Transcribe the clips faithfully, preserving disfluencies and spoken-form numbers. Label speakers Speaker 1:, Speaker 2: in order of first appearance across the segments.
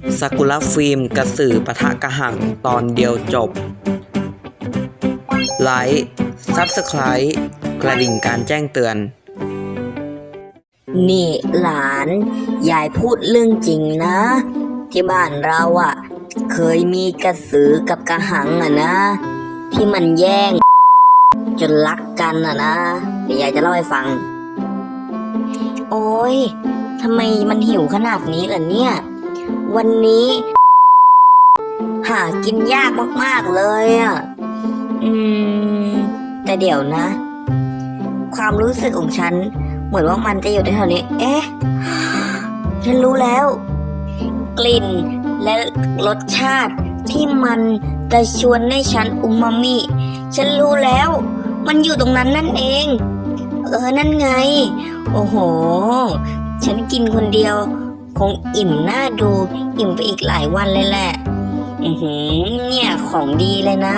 Speaker 1: ซากุระฟิล์มกระสือปะทะกระหังตอนเดียวจบ ไลค์ซับสไครต์กระดิ่งการแจ้งเตือน
Speaker 2: นี่หลานยายพูดเรื่องจริงนะ ที่บ้านเราอะ่ะ เคยมีกระสือกับกระหังอ่ะนะ ที่มันแย่ง จนรักกันอ่ะนะเดี๋ยวยายจะเล่าให้ฟัง โอ้ยทำไมมันหิวขนาดนี้ล่ะเนี่ย วันนี้ หากินยากมากๆเลยอ่ะอืมแต่เดี๋ยวนะ ความรู้สึกของฉันเหมือนว่ามันจะอยู่ในแถวนี้ เอ๊ะ ฉันรู้แล้ว กลิ่นและรสชาติที่มันจะชวนให้ฉันอุมามิ ฉันรู้แล้ว มันอยู่ตรงนั้นนั่นเอง เออ นั่นไง โอ้โห ฉันกินคนเดียว คงอิ่มน่าดู อิ่มไปอีกหลายวันเลยแหละ อือหือ เนี่ยของดีเลยนะ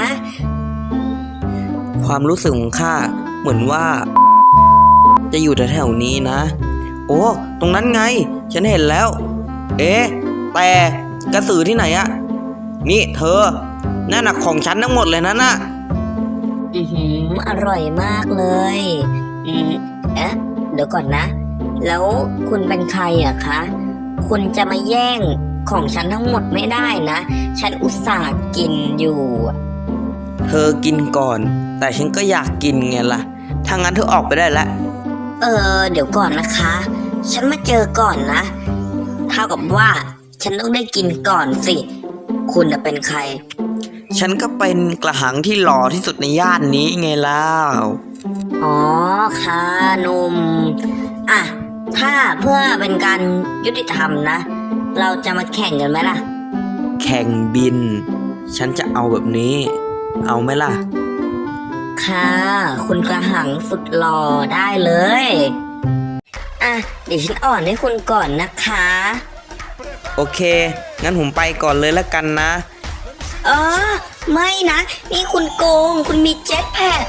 Speaker 1: ความรู้สึกของข้าเหมือนว่า จะอยู่แถวๆนี้นะ โอ้ตรงนั้นไง ฉันเห็นแล้ว เอ๊ะแต่กระสือที่ไหนอะนี่เธอนั่นน่ะของฉันทั้งหมดเลยนะน่ะ
Speaker 2: อือหืออร่อยมากเลยอืมเอ๊ะเดี๋ยวก่อนนะ แล้วคุณเป็นใครอะคะ คุณจะมาแย่งของฉันทั้งหมดไม่ได้นะ ฉันอุตส่าห์กินอยู่
Speaker 1: เธอกินก่อน แต่ฉันก็อยากกินไงล่ะถ้างั้นเธอออกไปได้แล้ว
Speaker 2: เออ เดี๋ยวก่อนนะคะ ฉันมาเจอก่อนนะเท่ากับว่า ฉันต้องได้กินก่อนสิ คุณจะเป็นใคร
Speaker 1: ฉันก็เป็นกระหังที่หล่อที่สุดในย่านนี้ไงล่ะ
Speaker 2: อ๋อค่ะหนุ่มอ่ะ ถ้าเพื่อเป็นการยุติธรรมนะ เราจะมาแข่งกันไหมล่ะ
Speaker 1: แข่งบิน ฉันจะเอาแบบนี้ เอาไหมล่ะ
Speaker 2: ค่ะ คุณกระหังสุดหล่อได้เลย อ่ะ เดี๋ยวฉันอ่อนให้คุณก่อนนะคะ
Speaker 1: โอเค งั้นผมไปก่อนเลยแล้วกันนะ
Speaker 2: เออ ไม่นะ นี่คุณโกง คุณมีเจ็ตแพด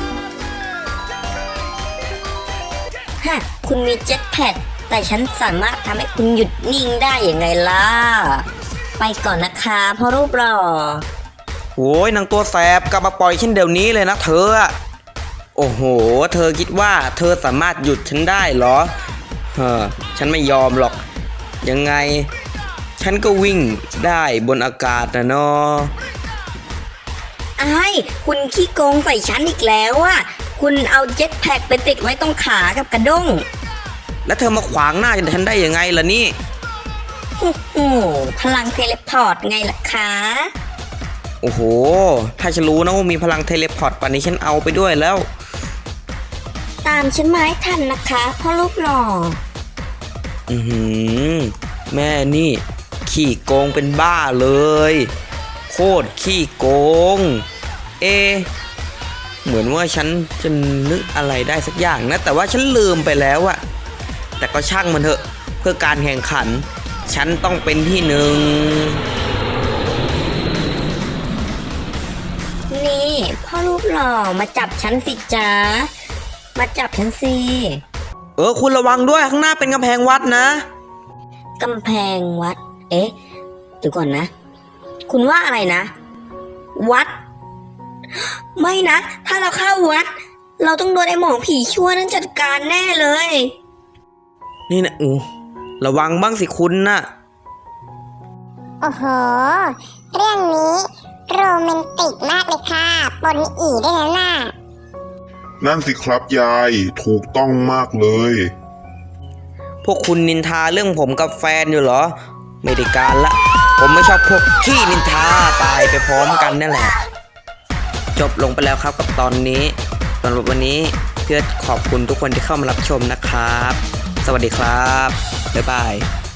Speaker 2: ฮะ คุณมีเจ็ตแพดแต่ฉันสามารถทำให้คุณหยุดนิ่งได้อย่างไงล่ะ ไปก่อนนะคะพ่อรูปหล่อ
Speaker 1: โอ้ยนางตัวแสบกลับมาปล่อยฉันเดี๋ยวนี้เลยนะเธออะโอ้โห เธอคิดว่าเธอสามารถหยุดฉันได้เหรอเฮ้อฉันไม่ยอมหรอก ยังไง ฉันก็วิ่งได้บนอากาศนะเนาะ
Speaker 2: ไอ้ายคุณขี้โกงใส่ฉันอีกแล้วอะคุณเอาเจ็ตแพ็กไปติดไว้ตรงขากับกระด้ง
Speaker 1: แล้วเธอมาขวางหน้าฉันได้ยังไงล่ะนี่
Speaker 2: โอ้โหพลังเทเลพอร์ตไงล่ะคะ
Speaker 1: โอ้โห ถ้าฉันรู้นะว่ามีพลังเทเลพอร์ตป่านนี้ฉันเอาไปด้วยแล้ว
Speaker 2: ตามฉันมาให้ทันนะคะพ่อรูปหล่อ
Speaker 1: อือหือแม่นี่ ขี้โกงเป็นบ้าเลย โคตรขี้โกง เอะเหมือนว่าฉันจะนึกอะไรได้สักอย่างนะ แต่ว่าฉันลืมไปแล้วอะแต่ก็ช่างมันเถอะ เพื่อการแข่งขัน ฉันต้องเป็นที่หนึ่ง
Speaker 2: นี่พ่อรูปหล่อมาจับฉันสิจ๊ะมาจับฉันสิ
Speaker 1: เออคุณระวังด้วยข้างหน้าเป็นกำแพงวัดนะ
Speaker 2: กำแพงวัด เอ๊ะเดี๋ยวก่อนนะ คุณว่าอะไรนะ วัด ไม่นะ ถ้าเราเข้าวัด เราต้องโดนไอ้หมองผีชั่วนั้นจัดการแน่เลย
Speaker 1: นี่นะอู้ระวังบ้างสิคุณนะ
Speaker 3: โอ้โห เรื่องนี้โรแมนติกมากเลยค่ะปนอีด้วยนะน่ะ
Speaker 4: นั่นสิครับยายถูกต้องมากเลย
Speaker 1: พวกคุณนินทาเรื่องผมกับแฟนอยู่เหรอ ไม่ได้การละ ผมไม่ชอบพวกขี้นินทาตายไปพร้อมกันนั่นแหละ จบลงไปแล้วครับกับตอนนี้สำหรับวันนี้เพื่อขอบคุณทุกคนที่เข้ามารับชมนะครับ สวัสดีครับ บ๊ายบาย